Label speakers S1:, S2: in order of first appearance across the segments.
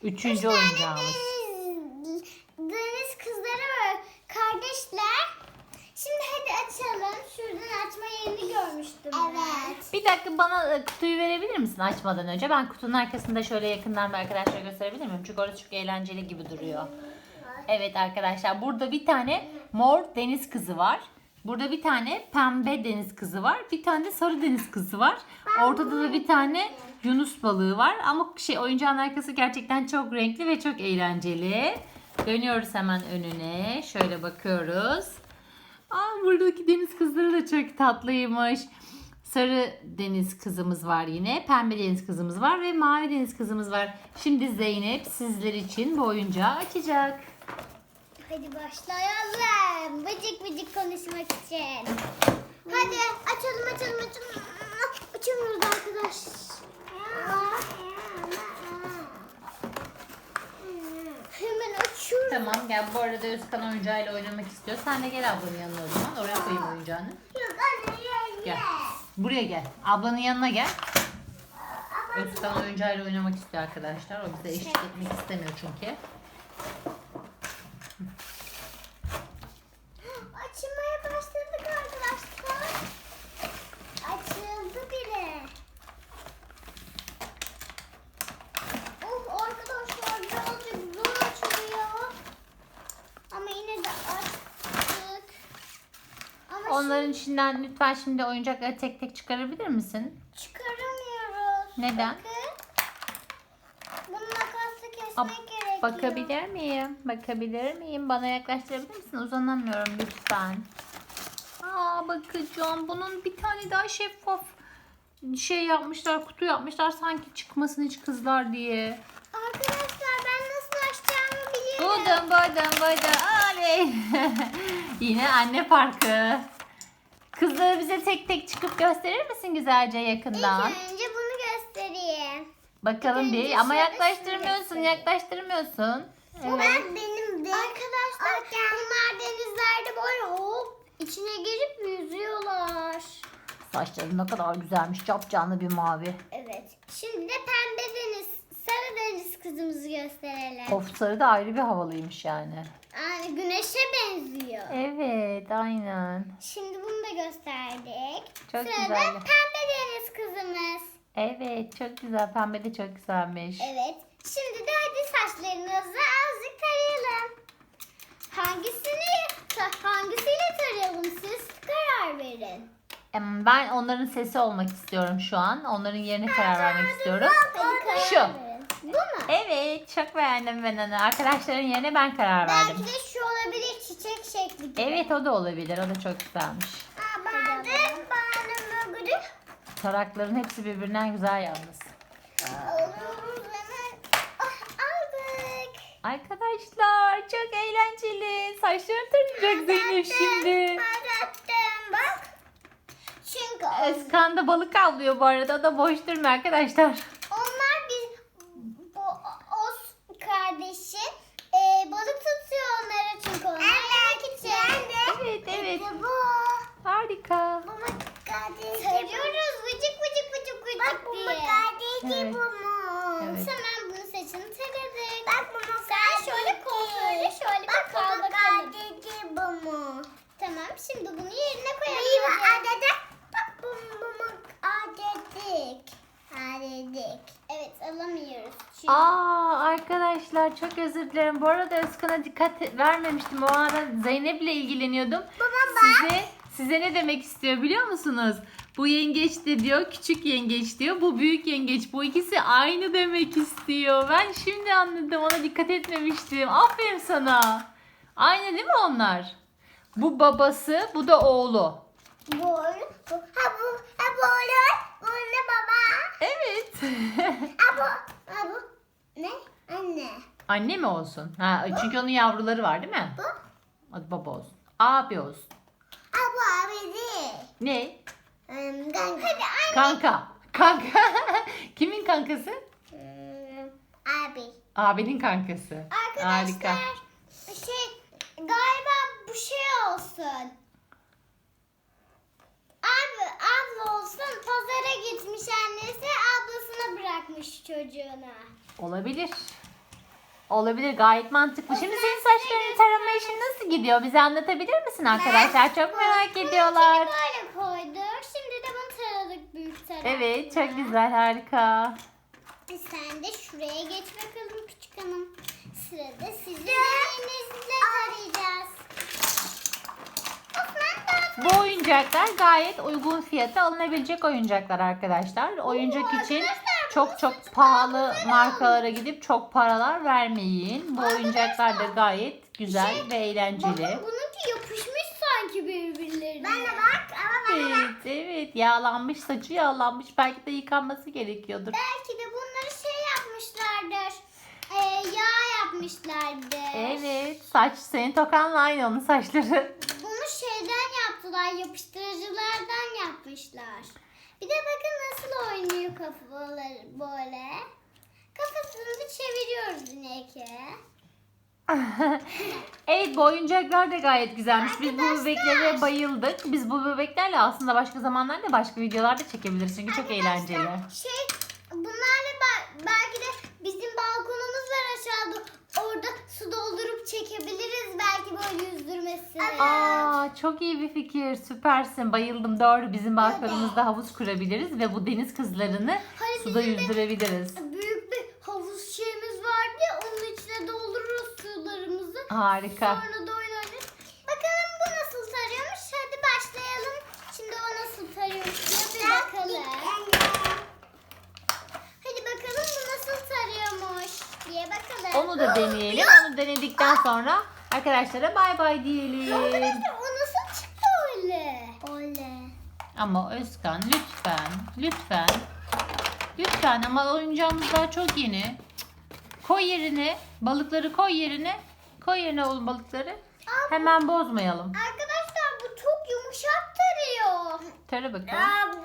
S1: Üçüncü oyuncağımız.
S2: Deniz kızları var. Kardeşler. Şimdi hadi açalım. Şuradan açma yerini görmüştüm. Evet.
S1: Bir dakika bana kutuyu verebilir misin açmadan önce? Ben kutunun arkasında şöyle yakından bir arkadaşlara gösterebilir miyim? Çünkü orası çok eğlenceli gibi duruyor. Evet arkadaşlar, burada bir tane mor deniz kızı var. Burada bir tane pembe deniz kızı var. Bir tane de sarı deniz kızı var. Ortada da bir tane yunus balığı var. Ama oyuncağın arkası gerçekten çok renkli ve çok eğlenceli. Dönüyoruz hemen önüne. Şöyle bakıyoruz. Buradaki deniz kızları da çok tatlıymış. Sarı deniz kızımız var yine. Pembe deniz kızımız var ve mavi deniz kızımız var. Şimdi Zeynep sizler için bu oyuncağı açacak.
S2: Hadi başlayalım. Bıcık bıcık konuşmak için. Hadi açalım. Açamıyoruz arkadaş. Hemen açıyorum.
S1: Tamam gel, bu arada Özkan oyuncağıyla oynamak istiyor. Sen de gel ablanın yanına o zaman. Oraya koyayım oyuncağını.
S2: Yok anne
S1: Gel. Buraya gel. Ablanın yanına gel. Özkan oyuncağıyla oynamak istiyor arkadaşlar. O bize eşlik etmek istemiyor çünkü.
S2: Açılmaya başladık arkadaşlar. Açıldı bile. Arkadaşlar birazcık zor açılıyor. Ama yine de açtık. Ama
S1: Onların içinden lütfen şimdi oyuncakları tek tek çıkarabilir misin?
S2: çıkaramıyoruz.
S1: Neden?
S2: Bakın. Bunu makasla kesmek gerekiyor.
S1: Bakabilir miyim? Bakabilir miyim? Bana yaklaştırabilir misin? Uzanamıyorum lütfen. Bakacağım. Bunun bir tane daha şeffaf yapmışlar, kutu yapmışlar sanki çıkmasın hiç kızlar diye.
S2: Arkadaşlar ben nasıl açacağımı biliyorum.
S1: Buldum. Oley. Yine anne parkı. Kızları bize tek tek çıkıp gösterir misin güzelce yakından?
S2: İlk önce bunu göstereyim.
S1: Bakalım bir.
S2: önce
S1: Ama
S2: şöyle
S1: yaklaştırmıyorsun.
S2: Bu
S1: Evet.
S2: benim de. Arkadaşlar bunlar denizlerde böyle hop içine girip yüzüyorlar.
S1: Saçları ne kadar güzelmiş. Capcanlı bir mavi.
S2: Evet. Şimdi de pembe deniz, sarı deniz kızımızı gösterelim.
S1: Of, sarı da ayrı bir havalıymış yani.
S2: Yani güneşe benziyor.
S1: Evet, aynen.
S2: Şimdi bunu da gösterdik.
S1: Çok
S2: Sırada
S1: güzel.
S2: pembe deniz kızımız.
S1: Evet, çok güzel. Pembe de çok güzelmiş.
S2: Evet. Şimdi de hadi saçlarınızı azıcık tarayalım. Hangisiyle tarayalım siz karar verin.
S1: Ben onların sesi olmak istiyorum şu an. Onların yerine karar vermek istiyorum.
S2: Hadi karar
S1: Şu.
S2: verin. Bu mu?
S1: Evet, çok beğendim ben onu. Arkadaşların yerine ben karar
S2: Belki
S1: verdim.
S2: de şu olabilir çiçek şekli gibi.
S1: Evet, o da olabilir. O da çok güzelmiş.
S2: Ben böyle.
S1: Tarakların hepsi birbirinden güzel yalnız.
S2: Alıyoruz hemen. Aldık.
S1: Arkadaşlar çok eğlenceli. Saçlarını tarayacak Zeynep şimdi.
S2: Tarattım bak. Çünkü
S1: Özkan da balık avlıyor bu arada. O da boş durmuyor arkadaşlar.
S2: onlar bu Oz kardeşi balık tutuyor onlara çünkü onlar yemek için.
S1: Evet.
S2: Bu.
S1: Harika.
S2: Tarıyoruz vıcık vıcık bak bu mu kardeşi
S1: Evet.
S2: bu mu?
S1: Evet.
S2: Hemen bunun saçını taradık. Bak bu mu sen şöyle kontrolü şöyle bir kal bakalım. Bu mu? Tamam şimdi bunu yerine koyalım. Bak bu mu adedik. Evet alamıyoruz. Çünkü
S1: Arkadaşlar çok özür dilerim. Bu arada Özkan'a dikkat vermemiştim. O arada Zeynep'le ilgileniyordum. Size ne demek istiyor biliyor musunuz? Bu yengeç de diyor, küçük yengeç diyor. Bu büyük yengeç. Bu ikisi aynı demek istiyor. Ben şimdi anladım. Ona dikkat etmemiştim. Aferin sana. Aynı değil mi onlar? Bu babası, bu da oğlu.
S2: bu olur. Bu olur. Bu ne baba?
S1: Evet.
S2: Bu ne? Anne.
S1: Anne mi olsun? Çünkü onun yavruları var değil mi?
S2: Bu?
S1: Hadi baba olsun. Abi olsun.
S2: Bu abi değil.
S1: Ne?
S2: Kanka. Hadi
S1: Kanka. Kimin kankası?
S2: abi.
S1: Abinin kankası. Harika.
S2: Arkadaşlar galiba bu şey olsun. Abla olsun pazara gitmiş annesi ablasına bırakmış çocuğuna.
S1: Olabilir. Olabilir, gayet mantıklı. Şimdi senin saçlarını tarama işin nasıl gidiyor? Bize anlatabilir misin arkadaşlar? Çok merak ediyorlar.
S2: Böyle koyduk. Şimdi de bunu taradık büyük tarakla.
S1: Evet, çok güzel, harika.
S2: Sen de şuraya geç bakalım küçük hanım. Sırada sizin elinizle tarayacağız.
S1: Bu oyuncaklar gayet uygun fiyata alınabilecek oyuncaklar arkadaşlar. Oyuncak için çok pahalı markalara gidip çok paralar vermeyin. Bu oyuncaklar da gayet güzel ve eğlenceli.
S2: Bakın bununki yapışmış sanki birbirlerine. Ben de bak ama
S1: Evet, yağlanmış, saçı yağlanmış. Belki de yıkanması gerekiyordur.
S2: belki de bunları şey yapmışlardır. Yağ yapmışlardır.
S1: Evet, saç senin tokanla aynı onun saçları.
S2: Bunu şeyden yaptılar, yapıştırıcılardan yapmışlar. Bir de bakın nasıl oynuyor kafaları böyle. Kafasını çeviriyoruz yine ki.
S1: Evet, bu oyuncaklar da gayet güzelmiş. Biz bu bebeklere bayıldık. Biz bu bebeklerle aslında başka zamanlarda başka videolarda çekebiliriz. Çünkü çok eğlenceli.
S2: Bunlarla belki de bizim balkonumuz var aşağıda. Orada su doldurup çekebiliriz belki böyle yüzdürmesi.
S1: Aa, çok iyi bir fikir. Süpersin. Bayıldım. Doğru. Bizim balkonumuzda havuz kurabiliriz ve bu deniz kızlarını
S2: Hani
S1: suda
S2: bizim de
S1: yüzdürebiliriz.
S2: büyük bir havuz şeyimiz vardı ya, onun içine doldururuz sularımızı.
S1: Harika.
S2: Sonra da oyun oynarız. Bakalım bu nasıl tarıyormuş. Hadi başlayalım. Şimdi o nasıl tarıyormuş diye bir bakalım. Hadi bakalım bu nasıl tarıyormuş diye bakalım.
S1: Onu da deneyelim. Onu denedikten sonra arkadaşlara bay bay diyelim.
S2: Arkadaşlar o nasıl çıktı öyle? Öyle.
S1: Ama Özkan lütfen ama oyuncağımız daha çok yeni. Koy yerine balıkları, koy yerine oğlum balıkları. Hemen bozmayalım.
S2: Arkadaşlar bu çok yumuşak tarıyor.
S1: Tara bakalım.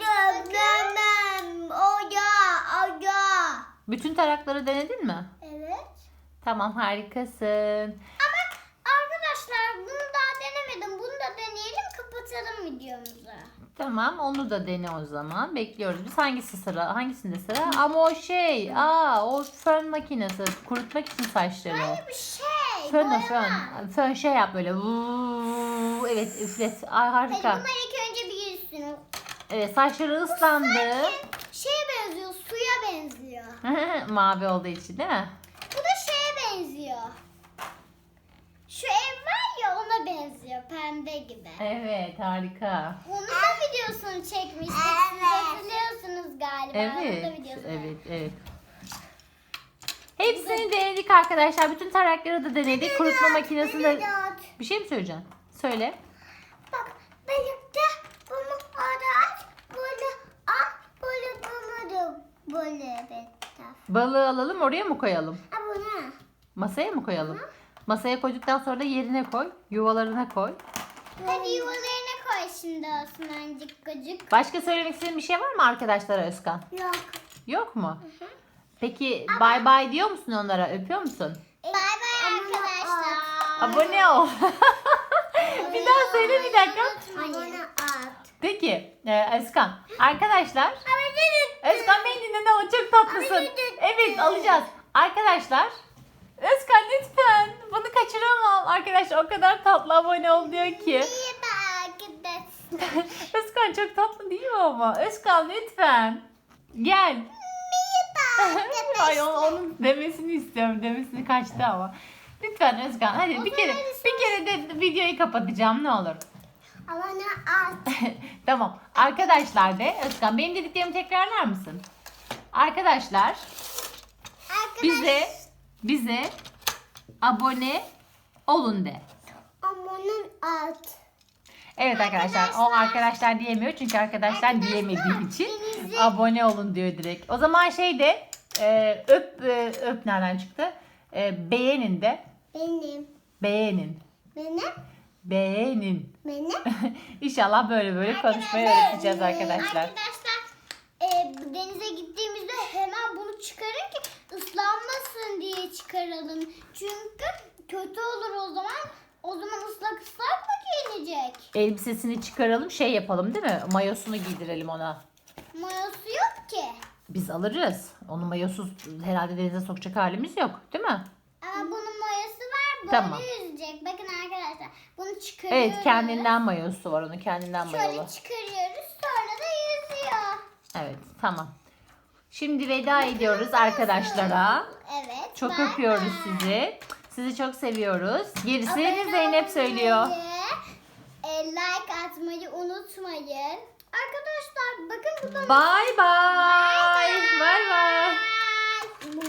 S1: Bütün tarakları denedin mi?
S2: Evet.
S1: Tamam, harikasın.
S2: Ama arkadaşlar bunu daha denemedim. Bunu da deneyelim, kapatalım videomuzu.
S1: Tamam, onu da dene o zaman. Bekliyoruz. Biz hangisinde sıra? Ama o fön makinesi kurutmak için saçları.
S2: Hayır bir şey.
S1: Fön
S2: boyama.
S1: fön şey yap böyle. Vuuu, evet, üflet. Ay,
S2: Hadi
S1: harika.
S2: bunlar ilk önce bir girsin.
S1: Evet, saçları ıslandı.
S2: Şeye benziyor, suya benziyor.
S1: Mavi olduğu için değil mi?
S2: Bu da şeye benziyor. Şu ev var ya, ona benziyor, pembe gibi.
S1: Evet, harika.
S2: Onun da videosunu çekmiştik. Siz hatırlıyorsunuz galiba. Onun da
S1: Evet,
S2: videosunu.
S1: evet. Hepsini denedik arkadaşlar. Bütün tarakları da denedik. Kurutma makinesinde... Bir şey mi söyleyeceksin? Söyle.
S2: Bak birlikte bunu arar, böyle al, böyle bunu da böyle better.
S1: Balığı alalım, oraya mı koyalım?
S2: Ha bunu.
S1: Masaya mı koyalım? Masaya koyduktan sonra da yerine koy. Yuvalarına koy.
S2: Hadi yuvalarına koy şimdi Osmancık gıcık.
S1: Başka söylemek istediğin bir şey var mı arkadaşlara Özkan?
S2: Yok.
S1: Yok mu? Peki bay bay diyor musun onlara? Öpüyor musun?
S2: Bay bay arkadaşlar.
S1: Abone ol. Bir daha söyle, bir dakika.
S2: Abone at.
S1: Peki Özkan. Arkadaşlar. Özkan beni dinle, o çok tatlısın. Evet, alacağız. Arkadaşlar. Özkan lütfen. Bunu kaçıramam. Arkadaşlar o kadar tatlı, abone ol diyor ki.
S2: İyi bak arkadaşlar.
S1: Özkan çok tatlı değil mi ama? Özkan lütfen. Gel. Ay, onun demesini istiyorum. Demesini kaçtı ama. Lütfen Özkan, hadi bir kere de videoyu kapatacağım, ne olur.
S2: Abone at.
S1: Tamam. Arkadaşlar de Özkan, benim dediklerimi tekrarlar mısın? Arkadaşlar bize abone olun de.
S2: Abone at.
S1: Evet arkadaşlar, o arkadaşlar diyemiyor çünkü arkadaşlar diyemediği için abone olun diyor direkt. O zaman öp nereden çıktı? Beğenin de. Beğenin. İnşallah böyle konuşmayı öğreteceğiz arkadaşlar.
S2: Arkadaşlar denize gittiğimizde hemen bunu çıkarın ki ıslanmasın diye çıkaralım. Çünkü kötü olur o zaman. O zaman ıslak mı giyinecek?
S1: Elbisesini çıkaralım, yapalım değil mi? Mayosunu giydirelim ona.
S2: Mayosu yok ki.
S1: Biz alırız. Onu mayosuz herhalde denize sokacak halimiz yok değil mi?
S2: Ama
S1: Tamam.
S2: yüzecek. Bakın arkadaşlar. Bunu çıkarıyoruz.
S1: Evet, kendinden mayosu var, onun kendinden mayolu.
S2: Şöyle çıkarıyoruz. Sonra da yüzüyor.
S1: Evet, tamam. Şimdi veda ediyoruz arkadaşlara.
S2: Evet.
S1: Çok
S2: bye
S1: öpüyoruz
S2: bye.
S1: sizi. Sizi çok seviyoruz. Gerisini
S2: Abone
S1: Zeynep söylüyor.
S2: olmayı, like atmayı unutmayın. Arkadaşlar bakın burada
S1: Bye bye. Bye bye.